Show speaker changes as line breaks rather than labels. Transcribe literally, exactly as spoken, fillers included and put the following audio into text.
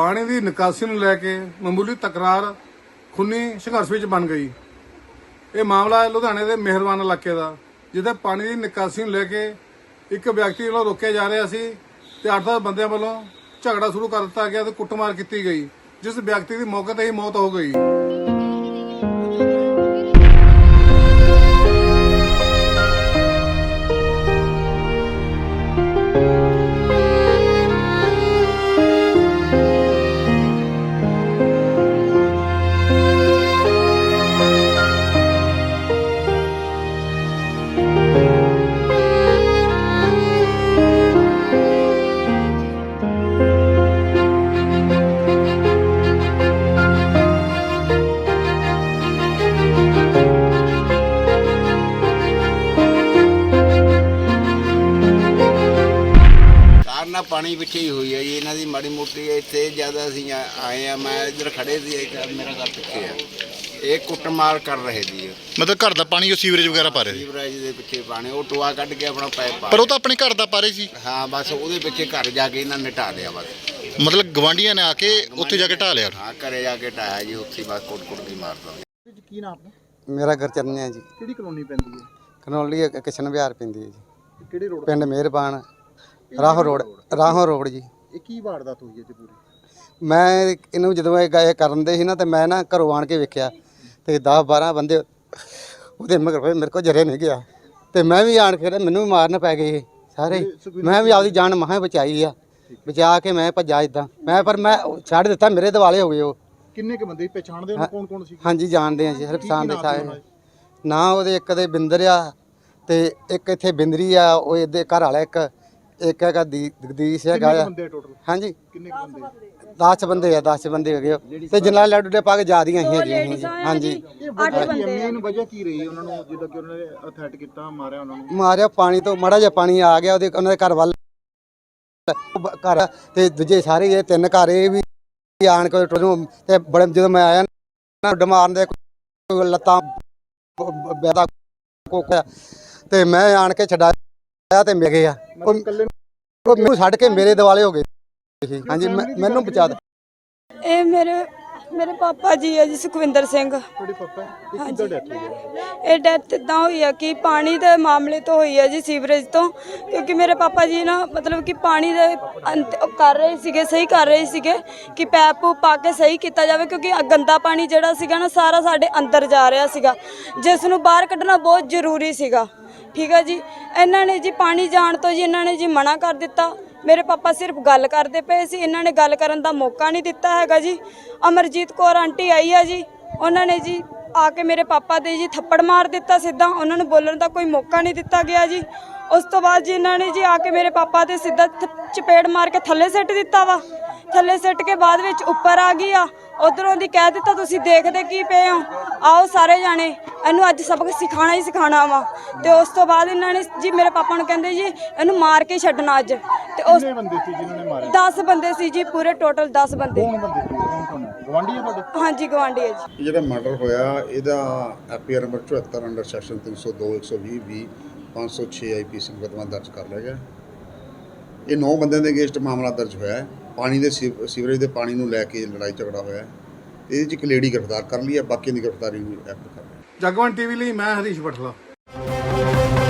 पानी की निकासी ਨੂੰ ਲੈ ਕੇ ਮਾਮੂਲੀ ਤਕਰਾਰ ਖੂਨੀ ਸੰਘਰਸ਼ ਵਿੱਚ ਬਣ ਗਈ। ਇਹ ਮਾਮਲਾ ਹੈ ਲੁਧਿਆਣੇ ਦੇ ਮਿਹਰਬਾਨ ਇਲਾਕੇ ਦਾ, ਜਿੱਥੇ ਪਾਣੀ ਦੀ ਨਿਕਾਸੀ ਨੂੰ ਲੈ ਕੇ ਇੱਕ ਵਿਅਕਤੀ ਵੱਲੋਂ ਰੋਕਿਆ ਜਾ ਰਿਹਾ ਸੀ ਤੇ ਅੱਠ ਦਸ ਬੰਦਿਆਂ ਵੱਲੋਂ ਝਗੜਾ ਸ਼ੁਰੂ ਕਰ ਦਿੱਤਾ ਗਿਆ ਤੇ ਕੁੱਟਮਾਰ ਕੀਤੀ ਗਈ, ਜਿਸ ਵਿਅਕਤੀ ਦੀ ਮੌਕੇ ਤੇ ਹੀ ਮੌਤ ਹੋ ਗਈ।
ना पानी पिछे ही हुई है जी, इन्हों की माड़ी मोटी इतने ज़्यादा असी आए हैं। मैं इधर खड़े थे, मेरा घर पिछे है, ये कुटमार कर रहे थे।
मतलब घर का पानी सीवरेज वगैरह पा रहे
सीवरेज के पिछे पानी वो टोआ कट के अपना पाइप पा,
पर वो तो अपने घर का पा रहे सी।
हाँ बस वो पिछे घर जाके इन्होंने ढा लिया बस।
मतलब गवांढिया ने आके उत्थे जाके ढा लिया।
हाँ घरे जाके ढाया जी, उत्थे बस कुट कुट की मारता।
ਕੀ ਨਾਮ ਆਪਣਾ?
मेरा घर चरने है जी,
ਕਿਹੜੀ ਕਲੋਨੀ ਪੈਂਦੀ ਹੈ?
कनौली किशन बिहार पैंदी है जी,
ਕਿਹੜੇ ਰੋਡ
पिंड मेहरबान राहो रोड राहो रोड जी।
ਇਹ ਕੀ ਵਾਰਦਾਤ ਹੋਈ ਹੈ ਜੀ ਪੂਰੀ?
मैं इनू ਜਦੋਂ ਇਹ ਗਏ ਕਰਨ ਦੇ ਸੀ ਨਾ, ਤੇ ਮੈਂ ਨਾ ਘਰੋਂ ਆਣ ਕੇ ਵੇਖਿਆ ਤੇ ਦਸ ਬਾਰਾਂ ਬੰਦੇ ਉਹਦੇ ਮਗਰ ਹੋਏ, ਮੇਰੇ ਕੋਲ ਜਰੇ ਨਹੀਂ ਗਿਆ ਤੇ ਮੈਂ ਵੀ ਆਣ ਕੇ ਮੈਨੂੰ ਵੀ ਮਾਰਨ ਪੈ ਗਏ ਸਾਰੇ। ਮੈਂ ਵੀ ਆਪਦੀ ਜਾਨ ਮਹਾਂ ਬਚਾਈ ਆ, ਬਚਾ ਕੇ ਮੈਂ ਭੱਜਾ ਇਦਾਂ ਮੈਂ, ਪਰ ਮੈਂ ਛੱਡ ਦਿੱਤਾ, ਮੇਰੇ ਦਿਵਾਲੇ ਹੋ ਗਏ ਉਹ।
ਕਿੰਨੇ ਕੁ ਬੰਦੇ ਪਛਾਣਦੇ ਹੋ? ਕੌਣ ਕੌਣ ਸੀ?
ਹਾਂਜੀ ਜਾਣਦੇ ਆ ਜੀ, ਹਰਪਸਾਨ ਦੇ ਸਾਰੇ ਨਾ। ਉਹਦੇ ਇੱਕ ਦੇ ਬਿੰਦਰ ਆ ਤੇ ਇੱਕ ਇੱਥੇ ਬਿੰਦਰੀ ਆ, ਉਹ ਇਹਦੇ ਘਰ ਵਾਲਾ ਇੱਕ ਇੱਕ ਹੈਗਾ ਜਗਦੀਸ਼ ਹੈਗਾ ਆ।
ਟੋਟਲ
ਹਾਂਜੀ
ਕਿੰਨੇ ਕੁ ਬੰਦੇ?
ਦਸ ਬੰਦੇ ਆ, ਦਸ ਬੰਦੇ ਹੋ ਗਏ ਤੇ ਜਨਾਲ ਲੱਡੂ ਦੇ ਪਾ ਕੇ ਜਾ ਦੀਆਂ ਸੀ ਜੀ। ਹਾਂਜੀ
ਮੇਨ ਵਜ੍ਹਾ ਕੀ ਰਹੀ ਉਹਨਾਂ ਨੂੰ, ਜਿੱਦਾਂ ਕਿ ਉਹਨਾਂ ਨੇ ਅਥੈਟ ਕੀਤਾ, ਮਾਰਿਆ ਉਹਨਾਂ ਨੂੰ?
ਮਾਰਿਆ ਪਾਣੀ ਤੋਂ, ਮਾੜਾ ਜਿਹਾ ਪਾਣੀ ਆ ਗਿਆ ਉਹਦੇ ਉਹਨਾਂ ਦੇ ਘਰ ਵੱਲ ਘਰ, ਤੇ ਦੂਜੇ ਸਾਰੇ ਇਹ ਤਿੰਨ ਘਰ ਇਹ ਵੀ ਆਣ ਕੇ ਤੇ ਬੜੇ, ਜਦੋਂ ਮੈਂ ਆਇਆ ਨਾ ਉੱਡ ਮਾਰਨ ਦੇ ਲੱਤਾਂ ਬੈਦਾ ਕੋਕਿਆ ਤੇ ਮੈਂ ਆਣ ਕੇ ਛਡਾਇਆ ਤੇ ਮਿਲ ਗਿਆ ਉਹ ਮੈਨੂੰ ਛੱਡ ਕੇ ਮੇਰੇ ਦਿਵਾਲੇ ਹੋ ਗਏ। ਹਾਂਜੀ ਮੈਨੂੰ ਬਚਾ ਦੇ।
ਇਹ ਮੇਰੇ ਮੇਰੇ ਪਾਪਾ ਜੀ ਹੈ ਜੀ, ਸੁਖਵਿੰਦਰ ਸਿੰਘ।
ਤੁਹਾਡੇ ਪਾਪਾ? ਇਹ ਕਿੱਦਾਂ ਡੈਥ ਹੋਈ ਹੈ?
ਇਹ ਡੈਥ ਇਦਾਂ ਹੋਈ ਆ ਕਿ ਪਾਣੀ ਦੇ ਮਾਮਲੇ ਤੋਂ ਹੋਈ ਹੈ ਜੀ, ਸੀਵਰੇਜ ਤੋਂ। ਕਿਉਂਕਿ ਮੇਰੇ ਪਾਪਾ ਜੀ ਨਾ ਮਤਲਬ ਕਿ ਪਾਣੀ ਦੇ ਅੰਤ ਕਰ ਰਹੇ ਸੀਗੇ, ਸਹੀ ਕਰ ਰਹੇ ਸੀਗੇ ਕਿ ਪੈਪ ਪਾ ਕੇ ਸਹੀ ਕੀਤਾ ਜਾਵੇ, ਕਿਉਂਕਿ ਗੰਦਾ ਪਾਣੀ ਜਿਹੜਾ ਸੀਗਾ ਨਾ ਸਾਰਾ ਸਾਡੇ ਅੰਦਰ ਜਾ ਰਿਹਾ ਸੀਗਾ, ਜਿਸ ਨੂੰ ਬਾਹਰ ਕੱਢਣਾ ਬਹੁਤ ਜ਼ਰੂਰੀ ਸੀਗਾ। ਠੀਕ ਹੈ ਜੀ, ਇਹਨਾਂ ਨੇ ਜੀ ਪਾਣੀ ਜਾਣ ਤੋਂ ਜੀ ਇਹਨਾਂ ਨੇ ਜੀ ਮਨਾ ਕਰ ਦਿੱਤਾ। ਮੇਰੇ ਪਾਪਾ ਸਿਰਫ ਗੱਲ ਕਰਦੇ ਪਏ ਸੀ, ਇਹਨਾਂ ਨੇ ਗੱਲ ਕਰਨ ਦਾ ਮੌਕਾ ਨਹੀਂ ਦਿੱਤਾ ਹੈਗਾ ਜੀ। ਅਮਰਜੀਤ ਕੌਰ ਆਂਟੀ ਆਈ ਆ ਜੀ, ਉਹਨਾਂ ਨੇ ਜੀ ਆ ਕੇ ਮੇਰੇ ਪਾਪਾ ਦੇ ਜੀ ਥੱਪੜ ਮਾਰ ਦਿੱਤਾ ਸਿੱਧਾ, ਉਹਨਾਂ ਨੂੰ ਬੋਲਣ ਦਾ ਕੋਈ ਮੌਕਾ ਨਹੀਂ ਦਿੱਤਾ ਗਿਆ ਜੀ। ਉਸ ਤੋਂ ਬਾਅਦ ਜੀ ਇਹਨਾਂ ਨੇ ਜੀ ਆ ਕੇ ਮੇਰੇ ਪਾਪਾ ਦੇ ਸਿੱਧਾ ਚਪੇੜ ਮਾਰ ਕੇ ਥੱਲੇ ਸਿੱਟ ਦਿੱਤਾ ਵਾ। ਥੱਲੇ ਸਿੱਟ ਕੇ ਬਾਅਦ ਵਿੱਚ ਉੱਪਰ ਆ ਗਈ ਆ, ਉਧਰੋਂ ਦੀ ਕਹਿ ਦਿੱਤਾ ਤੁਸੀਂ ਦੇਖਦੇ ਕੀ ਪਏ ਹੋ, ਆਓ ਸਾਰੇ ਜਾਣੇ ਇਹਨੂੰ ਅੱਜ ਸਬਕ ਸਿਖਾਣਾ ਹੀ ਸਿਖਾਣਾ ਵਾ। ਤੇ ਉਸ ਤੋਂ ਬਾਅਦ ਇਹਨਾਂ ਨੇ ਜੀ ਮੇਰੇ ਪਾਪਾ ਨੂੰ ਕਹਿੰਦੇ ਜੀ ਇਹਨੂੰ ਮਾਰ ਕੇ ਛੱਡਣਾ ਅੱਜ। ਤੇ ਉਸ
ਕਿੰਨੇ ਬੰਦੇ ਸੀ ਜਿਨ੍ਹਾਂ ਨੇ ਮਾਰੇ?
ਦਸ ਬੰਦੇ ਸੀ ਜੀ, ਪੂਰੇ ਟੋਟਲ ਦਸ ਬੰਦੇ।
ਕੌਣ ਬੰਦੇ ਸੀ? ਕੌਣ ਕੌਣ? ਗਵਾਂਢੀ ਆ ਤੁਹਾਡੇ?
ਹਾਂਜੀ ਗਵਾਂਢੀ ਹੈ ਜੀ।
ਜਿਹੜਾ ਮਰਡਰ ਹੋਇਆ ਇਹਦਾ ਐਫਆਈਆਰ ਨੰਬਰ ਚੁਹੱਤਰ ਅੰਡਰ ਸੈਕਸ਼ਨ ਤਿੰਨ ਸੌ ਦੋ ਇੱਕ ਸੌ ਵੀਹ ਵੀਹ ਪੰਜ ਸੌ ਛੇ ਆਈਪੀਸੀ ਮੁਕੱਦਮਾ ਦਰਜ ਕਰ ਲਿਆ ਗਿਆ। ਇਹ ਨੌ ਬੰਦਿਆਂ ਦੇ ਅਗੇਂਸਟ ਮਾਮਲਾ ਦਰਜ ਹੋਇਆ ਹੈ। ਪਾਣੀ ਦੇ ਸੀਵਰੇਜ ਦੇ ਪਾਣੀ ਨੂੰ ਲੈ ਕੇ ਲੜਾਈ ਝਗੜਾ ਹੋਇਆ ਹੈ। ਇਹਦੇ 'ਚ ਇੱਕ ਲੇਡੀ ਗ੍ਰਿਫਤਾਰ ਕਰ ਲਈ ਹੈ, ਬਾਕੀ ਦੀ ਗ੍ਰਿਫਤਾਰੀ ਨੂੰ ਐਕਟ ਕਰ ਰਿਹਾ।
ਜਗਵੰਤ ਟੀਵੀ ਲਈ ਮੈਂ ਹਰੀਸ਼ ਬਠਲਾ।